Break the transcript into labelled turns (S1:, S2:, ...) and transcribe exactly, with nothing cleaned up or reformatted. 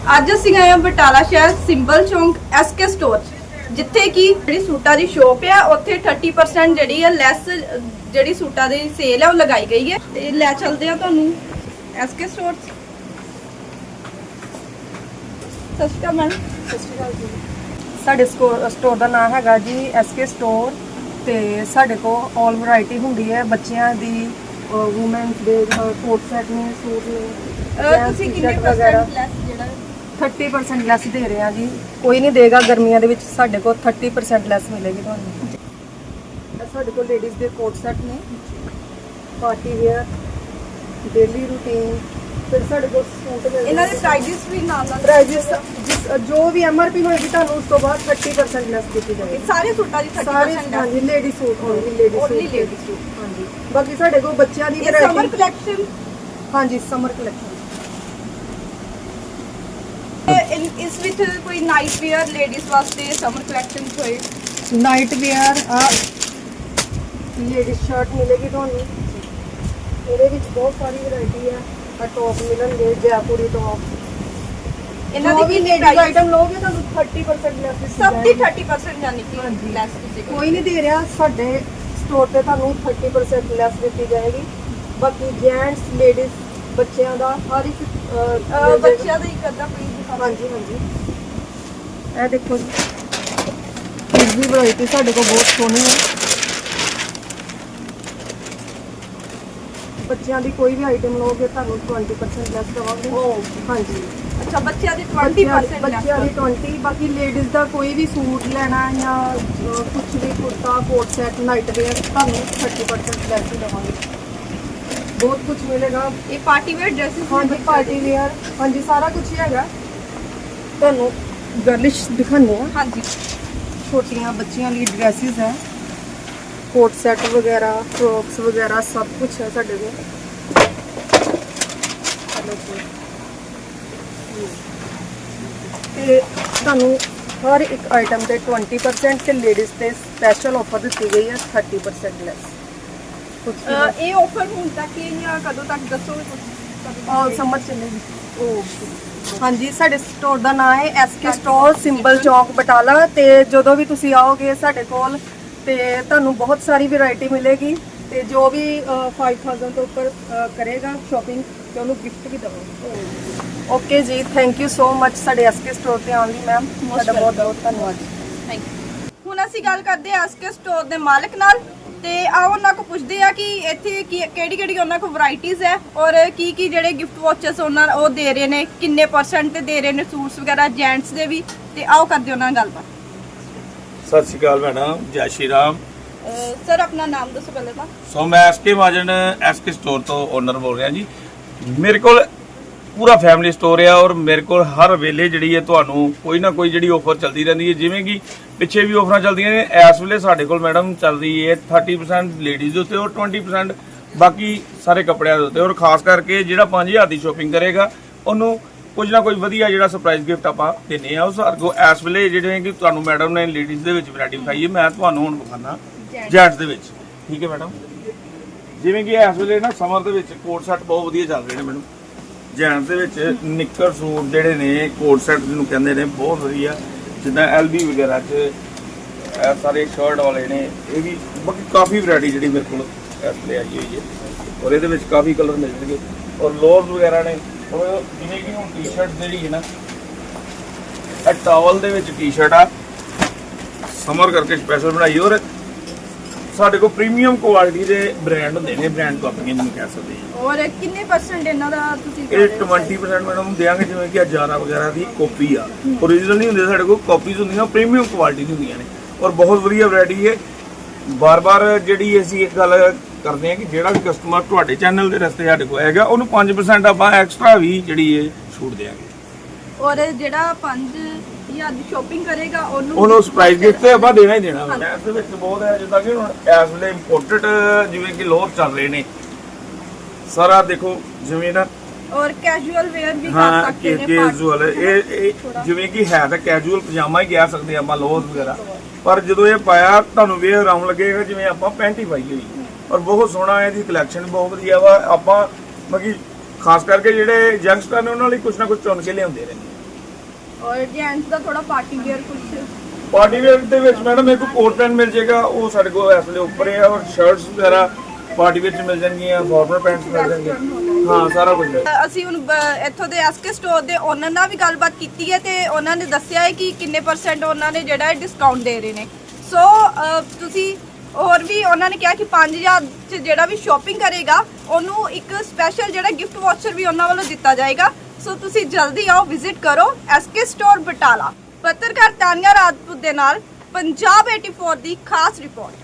S1: ਅੱਜ ਅਸੀਂ ਆਏ ਹਾਂ ਬਟਾਲਾ ਸ਼ਹਿਰ ਸਿੰਬਲ ਚੌਂਕ ਐਸਕੇ ਸਟੋਰ ਜਿੱਥੇ ਕਿ ਜਿਹੜੀ ਸੂਟਾਂ ਦੀ ਸ਼ੋਪ ਆ ਉੱਥੇ thirty percent ਜਿਹੜੀ ਆ ਲੈਸ ਜਿਹੜੀ ਸੂਟਾਂ ਦੀ ਸੇਲ ਆ ਉਹ ਲਗਾਈ ਗਈ ਹੈ ਤੇ ਲੈ ਚੱਲਦੇ ਆ ਤੁਹਾਨੂੰ ਐਸਕੇ ਸਟੋਰ। ਸਤਿ ਸ਼੍ਰੀ ਅਕਾਲ ਮੈਮ।
S2: ਸਤਿ ਸ਼੍ਰੀ ਅਕਾਲ ਜੀ। ਸਾਡੇ ਸਟੋਰ ਦਾ ਨਾਮ ਹੈਗਾ ਜੀ ਐਸਕੇ ਸਟੋਰ ਤੇ ਸਾਡੇ ਕੋਲ ਆਲ ਵੈਰਾਈਟੀ ਹੁੰਦੀ ਹੈ ਬੱਚਿਆਂ ਦੀ, ਵੂਮਨਸ ਦੇ ਕੋਟ ਸੈਟ ਨੇ, ਸੂਟ ਨੇ।
S1: ਤੁਸੀਂ ਕਿੰਨੇ ਪਰਸੈਂਟ ਲੈਸ ਜਿਹੜਾ
S2: thirty percent ਲੈਸ ਦੇ ਰਹੇ ਹਾਂ ਜੀ। ਕੋਈ ਨਹੀਂ ਦੇਗਾ ਗਰਮੀਆਂ ਦੇ ਵਿੱਚ ਸਾਡੇ ਕੋਲ thirty percent ਲੈਸ ਮਿਲੇਗੀ ਤੁਹਾਨੂੰ। ਇਹ ਸਾਡੇ ਕੋਲ ਲੇਡੀਜ਼ ਦੇ ਕੋਟ ਸੈਟ ਨੇ, ਪਾਰਟੀ ਵੇਅਰ, ਡੇਲੀ ਰੂਟੀਨ। ਫਿਰ ਸਾਡੇ ਕੋਲ ਸੂਟ ਮਿਲਦੇ
S1: ਇਹਨਾਂ ਦੇ ਪ੍ਰਾਈਸਿਸ ਵੀ ਨਾਲ ਨਾਲ
S2: ਪ੍ਰਾਈਸਿਸ ਜੋ ਵੀ ਐਮਆਰਪੀ ਹੋਏਗੀ ਤੁਹਾਨੂੰ ਉਸ ਤੋਂ ਬਾਅਦ thirty percent ਲੈਸ ਕੀਤੀ ਜਾਏਗੀ।
S1: ਸਾਰੇ ਸੂਟਾਂ ਦੀ thirty percent ਹੈ।
S2: ਹਾਂਜੀ lady suit only lady suit
S1: only lady suit.
S2: ਹਾਂਜੀ ਬਾਕੀ ਸਾਡੇ ਕੋਲ ਬੱਚਿਆਂ ਦੀ
S1: ਇਹ ਸਮਰ
S2: ਵੈਰਾਈਟੀ।
S1: ਕਲੈਕਸ਼ਨ।
S2: ਹਾਂਜੀ ਸਮਰ ਕਲੈਕਸ਼ਨ।
S1: ਇਸ ਵਿੱਚ ਕੋਈ ਨਾਈਟ ਵੇਅਰ ਲੇਡੀਜ਼ ਵਾਸਤੇ ਸਮਰ ਕਲੈਕਸ਼ਨ ਹੋਏ।
S2: ਨਾਈਟ ਵੇਅਰ ਆ ਲੇਡੀ ਸ਼ਰਟ ਮਿਲੇਗੀ ਤੁਹਾਨੂੰ। ਇਹਦੇ ਵਿੱਚ ਬਹੁਤ ਸਾਰੀ ਵੈਰਾਈਟੀ ਹੈ। ਆ ਟੌਪ ਮਿਲਣਗੇ, ਜੈਪੁਰੀ ਟੌਪ।
S1: ਇਹਨਾਂ
S2: ਦੀ
S1: ਦੀ
S2: ਵੀ
S1: ਕਿੰਨੀ
S2: ਲੇਡੀ ਆਈਟਮ ਲੋਗੇ ਤੁਹਾਨੂੰ thirty percent ਲੈਸ ਦਿੱਤੀ
S1: ਸਭ ਦੀ
S2: ਜਾਏਗੀ।
S1: thirty percent ਯਾਨੀ ਕਿ ਲੈਸ ਤੁਸੀਂ
S2: ਕੋਈ ਨਹੀਂ ਦੇ ਰਿਹਾ, ਸਾਡੇ ਸਟੋਰ ਤੇ ਤੁਹਾਨੂੰ thirty percent ਲੈਸ ਦਿੱਤੀ ਜਾਏਗੀ। ਬਾਕੀ ਜੈਂਟਸ, ਲੇਡੀਜ਼, ਬੱਚਿਆਂ ਦਾ ਹਰ ਇੱਕ
S1: ਅਹ ਬੱਚਿਆਂ ਦਾ ਇੱਕ ਅੱਧਾ ਪੀਸ ਦਿਖਾ।
S2: ਹਾਂਜੀ ਹਾਂਜੀ ਇਹ ਦੇਖੋ ਜੀ, ਇਸ ਦੀ ਵੈਰਾਈਟੀ ਸਾਡੇ ਕੋਲ ਬਹੁਤ ਸੋਹਣੀ ਹੈ। ਬੱਚਿਆਂ ਦੀ ਕੋਈ ਵੀ ਆਈਟਮ ਲਓਗੇ ਤੁਹਾਨੂੰ twenty percent ਲੈਸ ਦਵਾਂਗੇ। ਹਾਂਜੀ
S1: ਅੱਛਾ ਬੱਚਿਆਂ ਦੀ twenty percent
S2: ਬੱਚਿਆਂ ਦੀ twenty। ਬਾਕੀ ਲੇਡੀਜ਼ ਦਾ ਕੋਈ ਵੀ ਸੂਟ ਲੈਣਾ ਜਾਂ ਕੁਝ ਵੀ ਕੁੜਤਾ, ਕੋਟ ਸੈਟ, ਨਾਈਟ ਵੇਅਰ ਤੁਹਾਨੂੰ thirty percent ਲੈਸ ਹੀ ਦਵਾਂਗੇ। ਬਹੁਤ ਕੁਝ ਮਿਲੇਗਾ।
S1: ਇਹ ਪਾਰਟੀ ਵੇਅਰ ਡਰੈਸਸ
S2: ਹਾਂਜੀ ਪਾਰਟੀ ਵੇਅਰ, ਹਾਂਜੀ ਸਾਰਾ ਕੁਝ ਹੀ ਹੈਗਾ। ਤੁਹਾਨੂੰ ਗਰਲਿਸ਼ ਦਿਖਾਉਂਦੇ ਆ।
S1: ਹਾਂਜੀ
S2: ਛੋਟੀਆਂ ਬੱਚਿਆਂ ਲਈ ਡਰੈਸਿਸ ਹੈ, ਕੋਟ ਸੈਟ ਵਗੈਰਾ, ਫਰੋਕਸ ਵਗੈਰਾ ਸਭ ਕੁਝ ਹੈ ਸਾਡੇ ਕੋਲ। ਤੇ ਤੁਹਾਨੂੰ ਹਰ ਇੱਕ ਆਈਟਮ ਤੇ twenty percent ਤੇ ਲੇਡੀਜ਼ ਤੇ ਸਪੈਸ਼ਲ ਆਫਰ ਦਿੱਤੀ ਗਈ ਹੈ thirty percent ਲੈਸ।
S1: ਅਹ ਇਹ ਆਫਰ ਹੁਣ ਤੱਕ ਹੀ ਜਾਂ ਕਦੋਂ ਤੱਕ ਦੱਸੋਗੇ ਤੁਸੀਂ?
S2: ਆਲ ਸਮਰ ਚੱਲੇਗੀ। ਉਹ ਹਾਂਜੀ ਸਾਡੇ ਸਟੋਰ ਦਾ ਨਾਮ ਹੈ ਐਸਕੇ ਸਟੋਰ ਸਿੰਬਲ ਚੌਕ ਬਟਾਲਾ। ਤੇ ਜਦੋਂ ਵੀ ਤੁਸੀਂ ਆਓਗੇ ਸਾਡੇ ਕੋਲ ਤੇ ਤੁਹਾਨੂੰ ਬਹੁਤ ਸਾਰੀ ਵੈਰਾਈਟੀ ਮਿਲੇਗੀ। ਤੇ ਜੋ ਵੀ five thousand ਤੋਂ ਉੱਪਰ ਕਰੇਗਾ ਸ਼ਾਪਿੰਗ ਤੇ ਉਹਨੂੰ ਗਿਫਟ ਵੀ ਦਵਾਂਗੇ। Okay ji, thank you so much ਸਾਡੇ ਐਸਕੇ ਸਟੋਰ ਤੇ ਆਉਣ ਲਈ ਮੈਮ। ਤੁਹਾਡਾ ਬਹੁਤ ਬਹੁਤ ਧੰਨਵਾਦ।
S1: Thank you. ਹੁਣ ਅਸੀਂ ਗੱਲ ਕਰਦੇ ਹਾਂ ਐਸਕੇ ਸਟੋਰ ਦੇ ਮਾਲਕ ਨਾਲ ਤੇ ਆਓ ਉਹਨਾਂ ਕੋ ਪੁੱਛਦੇ ਆ ਕਿ ਇੱਥੇ ਕੀ ਕਿਹੜੀ ਕਿਹੜੀ ਉਹਨਾਂ ਕੋ ਵੈਰਾਈਟੀਜ਼ ਹੈ ਔਰ ਕੀ ਕੀ ਜਿਹੜੇ ਗਿਫਟ ਵਾਚਸ ਉਹਨਾਂ ਉਹ ਦੇ ਰਹੇ ਨੇ, ਕਿੰਨੇ ਪਰਸੈਂਟ ਤੇ ਦੇ ਰਹੇ ਨੇ ਸੂਟਸ ਵਗੈਰਾ ਜੈਂਟਸ ਦੇ ਵੀ। ਤੇ ਆਓ ਕਰਦੇ ਉਹਨਾਂ ਨਾਲ ਗੱਲਬਾਤ।
S3: ਸਤਿ ਸ਼੍ਰੀ ਅਕਾਲ ਮੈਡਮ, ਜੈ ਸ਼੍ਰੀ ਰਾਮ।
S1: ਸਰ ਆਪਣਾ ਨਾਮ ਦੱਸੋ ਪਹਿਲੇ ਤਾਂ।
S3: ਸੋ ਮੈਂ ਐਸਕੇ ਮਾਜਨ ਐਸਕੇ ਸਟੋਰ ਤੋਂ ਓਨਰ ਬੋਲ ਰਿਹਾ ਜੀ। ਮੇਰੇ ਕੋਲ ਪੂਰਾ ਫੈਮਿਲੀ ਸਟੋਰ ਆ ਔਰ ਮੇਰੇ ਕੋਲ ਹਰ ਵੇਲੇ ਜਿਹੜੀ ਹੈ ਤੁਹਾਨੂੰ ਕੋਈ ਨਾ ਕੋਈ ਜਿਹੜੀ ਆਫਰ ਚੱਲਦੀ ਰਹਿੰਦੀ ਹੈ। ਜਿਵੇਂ ਕਿ ਪਿੱਛੇ ਵੀ ਆਫਰਾਂ ਚੱਲਦੀਆਂ ਨੇ, ਇਸ ਵੇਲੇ ਸਾਡੇ ਕੋਲ ਮੈਡਮ ਚੱਲ ਰਹੀ ਹੈ thirty percent ਲੇਡੀਜ਼ ਦੇ ਉੱਤੇ ਔਰ twenty percent ਬਾਕੀ ਸਾਰੇ ਕੱਪੜਿਆਂ ਦੇ ਉੱਤੇ। ਔਰ ਖਾਸ ਕਰਕੇ ਜਿਹੜਾ ਪੰਜ ਹਜ਼ਾਰ ਦੀ ਸ਼ੋਪਿੰਗ ਕਰੇਗਾ ਉਹਨੂੰ ਕੁਝ ਨਾ ਕੁਝ ਵਧੀਆ ਜਿਹੜਾ ਸਰਪ੍ਰਾਈਜ਼ ਗਿਫਟ ਆਪਾਂ ਦਿੰਦੇ ਆ। ਉਸ ਅੱਗੋਂ ਇਸ ਵੇਲੇ ਜਿਹੜੇ ਕਿ ਤੁਹਾਨੂੰ ਮੈਡਮ ਨੇ ਲੇਡੀਜ਼ ਦੇ ਵਿੱਚ ਵੈਰਾਈਟੀ ਵਿਖਾਈ ਹੈ, ਮੈਂ ਤੁਹਾਨੂੰ ਹੁਣ ਵਿਖਾਣਾ ਜੈਂਟਸ ਦੇ ਵਿੱਚ। ਠੀਕ ਹੈ ਮੈਡਮ, ਜਿਵੇਂ ਕਿ ਇਸ ਵੇਲੇ ਨਾ ਸਮਰ ਦੇ ਵਿੱਚ ਕੋਟ ਸੈਟ ਬਹੁਤ ਵਧੀਆ ਚੱਲ ਰਹੇ ਨੇ ਮੈਡਮ। ਜੈਂਟਸ ਦੇ ਵਿੱਚ ਨਿੱਕਰ ਸੂਟ ਜਿਹੜੇ ਨੇ ਕੋਟ ਸੈਟ ਜਿਹਨੂੰ ਕਹਿੰਦੇ ਨੇ ਬਹੁਤ ਵਧੀਆ, ਜਿੱਦਾਂ ਐਲਬੀ ਵਗੈਰਾ 'ਚ ਇਹ ਸਾਰੇ ਸ਼ਰਟ ਵਾਲੇ ਨੇ। ਇਹ ਵੀ ਬਾਕੀ ਕਾਫੀ ਵੈਰਾਈਟੀ ਜਿਹੜੀ ਮੇਰੇ ਕੋਲ ਇਸ ਵੇਲੇ ਆਈ ਹੋਈ ਹੈ ਔਰ ਇਹਦੇ ਵਿੱਚ ਕਾਫੀ ਕਲਰ ਮਿਲ ਜਾਣਗੇ। ਔਰ ਲੋਅਰਸ ਵਗੈਰਾ ਨੇ, ਔਰ ਜਿਵੇਂ ਕਿ ਹੁਣ ਟੀ ਸ਼ਰਟ ਜਿਹੜੀ ਹੈ ਨਾ, ਇਹ ਟਾਵਲ ਦੇ ਵਿੱਚ ਟੀ ਸ਼ਰਟ ਆ ਸਮਰ ਕਰਕੇ ਸਪੈਸ਼ਲ ਬਣਾਈ। ਔਰ ਸਾਡੇ ਕੋਲ ਪ੍ਰੀਮੀਅਮ ਕੁਆਲਿਟੀ ਦੇ ਬ੍ਰਾਂਡ ਹੁੰਦੇ ਨੇ, ਬ੍ਰਾਂਡ ਕੰਪਨੀਆਂ ਜਿਹਨੂੰ ਕਹਿ ਸਕਦੇ ਹਾਂ।
S1: ਔਰ ਕਿੰਨੇ ਪਰਸੈਂਟ ਇਹਨਾਂ ਦਾ ਤੁਸੀਂ
S3: ਇਹ twenty percent ਮੈਡਮ ਦੇਵਾਂਗੇ। ਜਿਵੇਂ ਕਿ ਹਜ਼ਾਰਾਂ ਵਗੈਰਾ ਦੀ ਕਾਪੀ ਆ, ਓਰੀਜਨਲ ਨਹੀਂ ਹੁੰਦੇ ਸਾਡੇ ਕੋਲ, ਕਾਪੀਜ਼ ਹੁੰਦੀਆਂ, ਪ੍ਰੀਮੀਅਮ ਕੁਆਲਿਟੀ ਦੀ ਹੁੰਦੀਆਂ ਨੇ ਔਰ ਬਹੁਤ ਵਧੀਆ ਵੈਰਾਈਟੀ ਹੈ। ਬਾਰ-ਬਾਰ ਜਿਹੜੀ ਅਸੀਂ ਇੱਕ ਗੱਲ ਕਰਦੇ ਹਾਂ ਕਿ ਜਿਹੜਾ ਵੀ ਕਸਟਮਰ ਤੁਹਾਡੇ ਚੈਨਲ ਦੇ ਰਸਤੇ ਸਾਡੇ ਕੋਲ ਆਏਗਾ ਉਹਨੂੰ five percent ਆਪਾਂ ਐਕਸਟਰਾ ਵੀ ਜਿਹੜੀ ਹੈ ਛੂਟ ਦੇਵਾਂਗੇ।
S1: ਔਰ ਜਿਹੜਾ ਪੰਜ ਹਜ਼ਾਰ ਦੀ ਸ਼ੋਪਿੰਗ ਕਰੇਗਾ ਉਹਨੂੰ
S3: ਉਹਨੂੰ ਸਰਪ੍ਰਾਈਜ਼ ਗਿਫਟ ਤੇ ਆਪਾਂ ਦੇਣਾ ਹੀ ਦੇਣਾ। ਇਸ ਦੇ ਵਿੱਚ ਬਹੁਤ ਹੈ, ਜਿੱਦਾਂ ਕਿ ਹੁਣ ਇਸ ਵੇਲੇ ਇੰਪੋਰਟਡ ਜਿਵੇਂ ਕਿ ਲੋਅਰ ਚੱਲ ਰਹੇ ਨੇ ਸਾਰਾ ਦੇਖੋ, ਜਿਵੇਂ ਨਾ
S1: ਔਰ ਕੈਜੂਅਲ ਵੇਅਰ ਵੀ ਕਰ
S3: ਹਾਂ
S1: ਸਕਦੇ ਨੇ।
S3: ਕੈਜੂਅਲ ਇਹ ਇਹ ਜਿਵੇਂ ਕਿ ਹੈ ਤਾਂ ਕੈਜੂਅਲ ਪਜਾਮਾ ਹੀ ਕਹਿ ਸਕਦੇ ਆਪਾਂ, ਲੋਅਰ ਵਗੈਰਾ, ਪਰ ਜਦੋਂ ਇਹ ਪਾਇਆ ਤੁਹਾਨੂੰ ਵੇਅਰ ਆਉਣ ਲੱਗੇਗਾ ਜਿਵੇਂ ਆਪਾਂ ਪੈਂਟ ਹੀ ਪਾਈ ਹੋਈ। ਔਰ ਬਹੁਤ ਸੋਹਣਾ ਇਹਦੀ ਕਲੈਕਸ਼ਨ ਬਹੁਤ ਵਧੀਆ ਵਾ। ਆਪਾਂ ਮਤਲਬ ਖਾਸ ਕਰਕੇ ਜਿਹੜੇ ਯੰਗਸਟਰ ਨੇ ਉਹਨਾਂ ਲਈ ਕੁਝ ਨਾ ਕੁਝ ਚੁਣ ਕੇ ਲਿਆਉਂਦੇ ਰਹਿੰਦੇ।
S1: ਔਰ ਜੈਂਟਸ ਦਾ ਥੋੜਾ ਪਾਰਟੀ ਵੇਅਰ ਕੁਝ
S3: ਪਾਰਟੀ ਵੇਅਰ ਦੇ ਵਿੱਚ ਮੈਡਮ ਇੱਕ ਕੋਟ ਪੈਂਟ ਮਿਲ ਜਾਏਗਾ, ਉਹ ਸਾਡੇ ਕੋਲ ਇਸ ਵੇਲੇ ਉੱਪਰ ਹੈ, ਔਰ ਸ਼ਰਟਸ ਵਗੈਰਾ ਪਾਰਟੀ ਵਿੱਚ ਮਿਲ ਜਾਣਗੀਆਂ, ਫਾਰਮਲ ਪੈਂਟਸ ਮਿਲ ਜਾਣਗੇ, ਹਾਂ ਸਾਰਾ ਕੁਝ ਹੈ।
S1: ਅਸੀਂ ਹੁਣ ਬ- ਇੱਥੋਂ ਦੇ ਐਸਕੇ ਸਟੋਰ ਦੇ ਓਨਰ ਨਾਲ ਵੀ ਗੱਲਬਾਤ ਕੀਤੀ ਹੈ ਤੇ ਉਹਨਾਂ ਨੇ ਦੱਸਿਆ ਹੈ ਕਿ ਕਿੰਨੇ ਪਰਸੈਂਟ ਉਹਨਾਂ ਨੇ ਜਿਹੜਾ ਹੈ ਡਿਸਕਾਊਂਟ ਦੇ ਰਹੇ ਨੇ। ਸੋ ਅ, ਤੁਸੀਂ ਹੋਰ ਵੀ ਉਹਨਾਂ ਨੇ ਕਿਹਾ ਕਿ ਪੰਜ ਹਜ਼ਾਰ ਚ ਜਿਹੜਾ ਵੀ ਸ਼ਾਪਿੰਗ ਕਰੇਗਾ ਉਹਨੂੰ ਇੱਕ ਸਪੈਸ਼ਲ ਜਿਹੜਾ ਗਿਫਟ ਵਾਊਚਰ ਵੀ ਉਹਨਾਂ ਵੱਲੋਂ ਦਿੱਤਾ ਜਾਏਗਾ। ਸੋ ਤੁਸੀਂ ਜਲਦੀ ਆਓ, ਵਿਜ਼ਿਟ ਕਰੋ ਐਸਕੇ ਸਟੋਰ ਬਟਾਲਾ। ਪੱਤਰਕਾਰ ਤਾਨੀਆ ਰਾਜਪੂਤ ਦੇ ਨਾਲ ਪੰਜਾਬ ਚੌਰਾਸੀ ਦੀ ਖਾਸ ਰਿਪੋਰਟ।